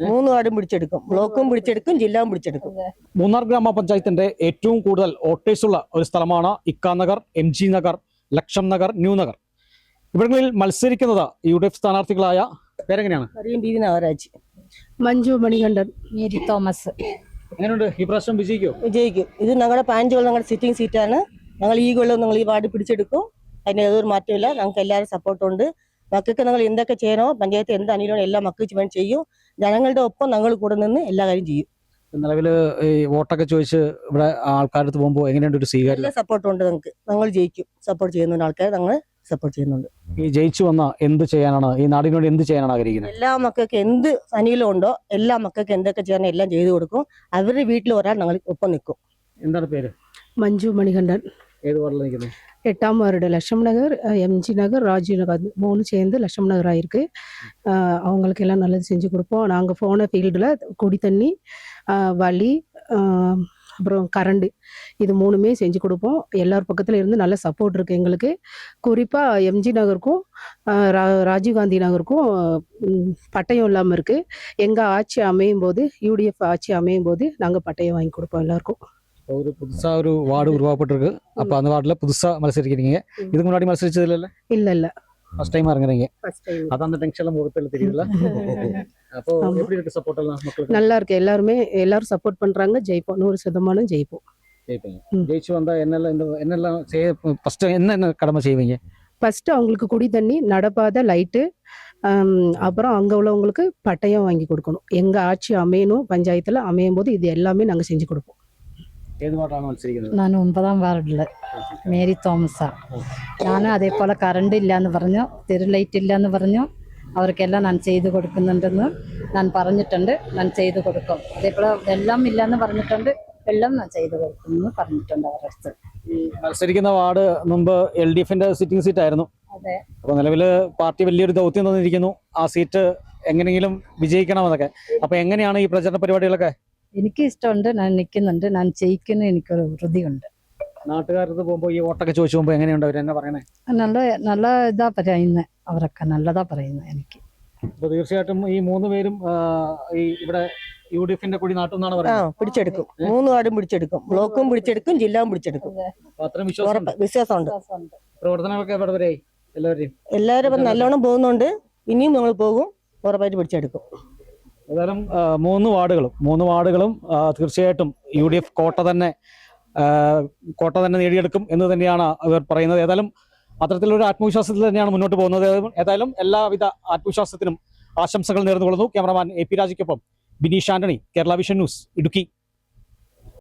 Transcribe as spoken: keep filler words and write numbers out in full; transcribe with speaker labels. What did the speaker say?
Speaker 1: മൂന്ന് വാർഡും പിടിച്ചെടുക്കും. ബ്ലോക്കും പിടിച്ചെടുക്കും, ജില്ലയും പിടിച്ചെടുക്കും.
Speaker 2: മൂന്നാർ ഗ്രാമപഞ്ചായത്തിന്റെ ഏറ്റവും കൂടുതൽ വോട്ടേഴ്സുള്ള ഒരു സ്ഥലമാണ് Ikka Nagar, M G Nagar, Laksham Nagar, new Nagar. ഇവിടങ്ങളിൽ മത്സരിക്കുന്നത് യു ഡി എഫ് സ്ഥാനാർത്ഥികളായ പേരെങ്ങനെയാണ്?
Speaker 1: Nagaraj,
Speaker 3: Manju Manikandan,
Speaker 4: Mary Thomas.
Speaker 2: എങ്ങനെയുണ്ട് ഈ പ്രാവശ്യം? വിജയിക്കോ?
Speaker 1: വിജയിക്കും. ഇത് ഞങ്ങളുടെ പതിനഞ്ച് കൊല്ലം ഞങ്ങളുടെ സിറ്റിംഗ് സീറ്റാണ്. ഞങ്ങൾ ഈ കൊല്ലം ഞങ്ങൾ ഈ വാർഡ് പിടിച്ചെടുക്കും. അതിന് ഏതൊരു മാറ്റമില്ല. ഞങ്ങൾക്ക് എല്ലാവരും സപ്പോർട്ടുണ്ട്. മക്കൾക്ക് ഞങ്ങൾ എന്തൊക്കെ ചെയ്യണോ, പഞ്ചായത്ത് എന്ത് അനുകൂലം എല്ലാം മക്കൾക്ക് വേണ്ടി ചെയ്യും. ജനങ്ങളുടെ ഒപ്പം ഞങ്ങൾ കൂടെ നിന്ന് എല്ലാ കാര്യം ചെയ്യും.
Speaker 2: നിലവില് ഈ വോട്ടൊക്കെ ചോദിച്ച് ഇവിടെ ആൾക്കാരടുത്ത് പോകുമ്പോൾ എങ്ങനെയുണ്ട് ഒരു സ്വീകാര്യം?
Speaker 1: എല്ലാ സപ്പോർട്ടുണ്ട് ഞങ്ങൾക്ക്. ഞങ്ങൾ ജയിക്കും. സപ്പോർട്ട് ചെയ്യുന്നുണ്ട് ആൾക്കാർ, ഞങ്ങൾ സപ്പോർട്ട് ചെയ്യുന്നുണ്ട്.
Speaker 2: ഈ ജയിച്ചു വന്ന എന്ത് ചെയ്യാനാണ്, ഈ നാടിന് വേണ്ടി എന്ത് ചെയ്യാനാണ് ആഗ്രഹിക്കുന്നത്?
Speaker 1: എല്ലാ മക്കൾക്ക് എന്ത് അനുകൂലം ഉണ്ടോ എല്ലാ മക്കൾക്ക് എന്തൊക്കെ ചെയ്യണം എല്ലാം ചെയ്തു കൊടുക്കും. അവരുടെ വീട്ടിൽ ഒരാൾ ഞങ്ങൾ ഒപ്പം നിൽക്കും.
Speaker 2: എന്താണ് പേര്?
Speaker 3: മഞ്ജു മണികണ്ഠൻ.
Speaker 2: ഏത് വാർഡിൽ നിൽക്കുന്നത്?
Speaker 3: எட்டாம் வார்டு லட்சம் நகர், எம்ஜி நகர், ராஜீவ் நகர் மூணு சேர்ந்து லட்சம் நகர் ஆயிருக்கு. அவங்களுக்கு எல்லாம் நல்லது செஞ்சு கொடுப்போம். நாங்கள் போன ஃபீல்டில் குடி தண்ணி, வழி, அப்புறம் கரண்டு, இது மூணுமே செஞ்சு கொடுப்போம். எல்லார் பக்கத்தில் இருந்து நல்ல சப்போர்ட் இருக்குது எங்களுக்கு. குறிப்பாக எம்ஜி நகருக்கும் ராஜீவ்காந்தி நகருக்கும் பட்டயம் இல்லாமல் இருக்குது. எங்கள் ஆட்சி அமையும் போது, யூடிஎஃப் ஆட்சி அமையும் போது நாங்கள் பட்டயம் வாங்கி கொடுப்போம் எல்லாருக்கும்.
Speaker 2: ஒரு புதுசா ஒரு வார்டு உருவாக்கப்பட்டிருக்கு. அப்ப அந்த வார்டுல புதுசா மത്സരിக்கிறீங்க. இதுக்கு முன்னாடி மത്സരിச்சது இல்ல?
Speaker 3: இல்ல இல்ல,
Speaker 2: ஃபர்ஸ்ட் டைம் இறங்குறீங்க.
Speaker 3: First time.
Speaker 2: அத அந்த டென்ஷன்ல முகத்துல தெரியல. அப்போ எப்படி இருக்கு சப்போர்ட் எல்லாம் மக்களுக்கு?
Speaker 3: நல்லா இருக்கு. எல்லாரும் எல்லாரும் சப்போர்ட் பண்றாங்க. ஜெயிப்போம். நூறு சதமானம் ஜெயிப்போம்.
Speaker 2: ஜெயிப்பீங்க. ஜெயிச்சு வந்தா என்னெல்லாம் இந்த என்னெல்லாம் செய்ய ஃபர்ஸ்ட் என்ன என்ன கடமை செய்வீங்க?
Speaker 3: ஃபர்ஸ்ட் அவங்களுக்கு குடி தண்ணி, நடப்பாதை, லைட்டு, அப்புறம் அங்கே உள்ளவங்களுக்கு பட்டயம் வாங்கி கொடுக்கணும். எங்கள் ஆட்சி அமையணும், பஞ்சாயத்தில் அமையும் போது இது எல்லாமே நாங்கள் செஞ்சு கொடுப்போம்.
Speaker 4: ನಾನು ഒമ്പതാം വാർഡില് മേരി തോമസാ. ഞാൻ അതേപോലെ കറണ്ട് ഇല്ലയെന്ന് പറഞ്ഞു, തെരു ലൈറ്റ് ഇല്ലയെന്ന് പറഞ്ഞു. അവർക്കെല്ലാം ഞാൻ ചെയ്തു കൊടുക്കുന്നുണ്ടെന്ന് ഞാൻ പറഞ്ഞിട്ടുണ്ട്. ഞാൻ ചെയ്തു കൊടുക്കും. അതേപോലെ വെള്ളം ഇല്ലയെന്ന് പറഞ്ഞിട്ടുണ്ട്. വെള്ളം ഞാൻ ചെയ്തു കൊടുക്കുമെന്ന് പറഞ്ഞിട്ടുണ്ട് അവരുടെ അടുത്ത്.
Speaker 2: മത്സരിക്കുന്ന വാർഡ് മുമ്പ് എൽ ഡി എഫിന്റെ സിറ്റിംഗ് സീറ്റ് ആയിരുന്നു.
Speaker 4: അതെ.
Speaker 2: അപ്പൊ നിലവില് പാർട്ടി വലിയൊരു ദൗത്യം തന്നിരിക്കുന്നു. ആ സീറ്റ് എങ്ങനെയെങ്കിലും വിജയിക്കണം എന്നൊക്കെ. അപ്പൊ എങ്ങനെയാണ് ഈ പ്രചരണ പരിപാടികളൊക്കെ?
Speaker 4: എനിക്ക് ഇഷ്ടമുണ്ട്. ഞാൻ നിൽക്കുന്നുണ്ട്. ഞാൻ ജയിക്കുന്ന എനിക്കൊരു വൃതിയുണ്ട്.
Speaker 2: നാട്ടുകാർക്ക് പോകുമ്പോൾ ഈ വോട്ടൊക്കെ ചോദിച്ചു പോകുമ്പോൾ എങ്ങനെയുണ്ട് അവർ എന്നെ പറയണേ?
Speaker 4: നല്ല നല്ല ഇതാ പറയുന്നത്. അവരൊക്കെ നല്ലതാ പറയുന്നത് എനിക്ക്.
Speaker 2: അപ്പൊ തീർച്ചയായിട്ടും ഈ മൂന്ന് പേരും ഈ ഇവിടെ യു ഡി എഫിന്റെ കൂടി നാട്ടെന്നാണ് പറയുന്നത്.
Speaker 1: പിടിച്ചെടുക്കും. മൂന്ന് വാർഡും പിടിച്ചെടുക്കും. ബ്ലോക്കും പിടിച്ചെടുക്കും, ജില്ലയും പിടിച്ചെടുക്കും.
Speaker 2: അത്രയും വിശ്വാസം
Speaker 1: വിശ്വാസമുണ്ട്.
Speaker 2: പ്രവർത്തനങ്ങളൊക്കെ എവിടെ വരെയായി? എല്ലാവരെയും
Speaker 1: എല്ലാവരും നല്ലോണം പോകുന്നുണ്ട്. ഇനിയും നമ്മൾ പോകും. ഉറപ്പായിട്ട് പിടിച്ചെടുക്കും.
Speaker 2: ഏതായാലും മൂന്ന് വാർഡുകളും മൂന്ന് വാർഡുകളും തീർച്ചയായിട്ടും യു ഡി എഫ് കോട്ട തന്നെ കോട്ട തന്നെ നേടിയെടുക്കും എന്ന് തന്നെയാണ് ഇവർ പറയുന്നത്. ഏതായാലും അത്തരത്തിലൊരു ആത്മവിശ്വാസത്തിൽ തന്നെയാണ് മുന്നോട്ട് പോകുന്നത്. ഏതായാലും എല്ലാവിധ ആത്മവിശ്വാസത്തിനും ആശംസകൾ നേർന്നുകൊള്ളുന്നു. ക്യാമറമാൻ എ പി രാജയ്ക്കൊപ്പം ബിനീഷ് ആന്റണി, കേരള വിഷൻ ന്യൂസ്, ഇടുക്കി.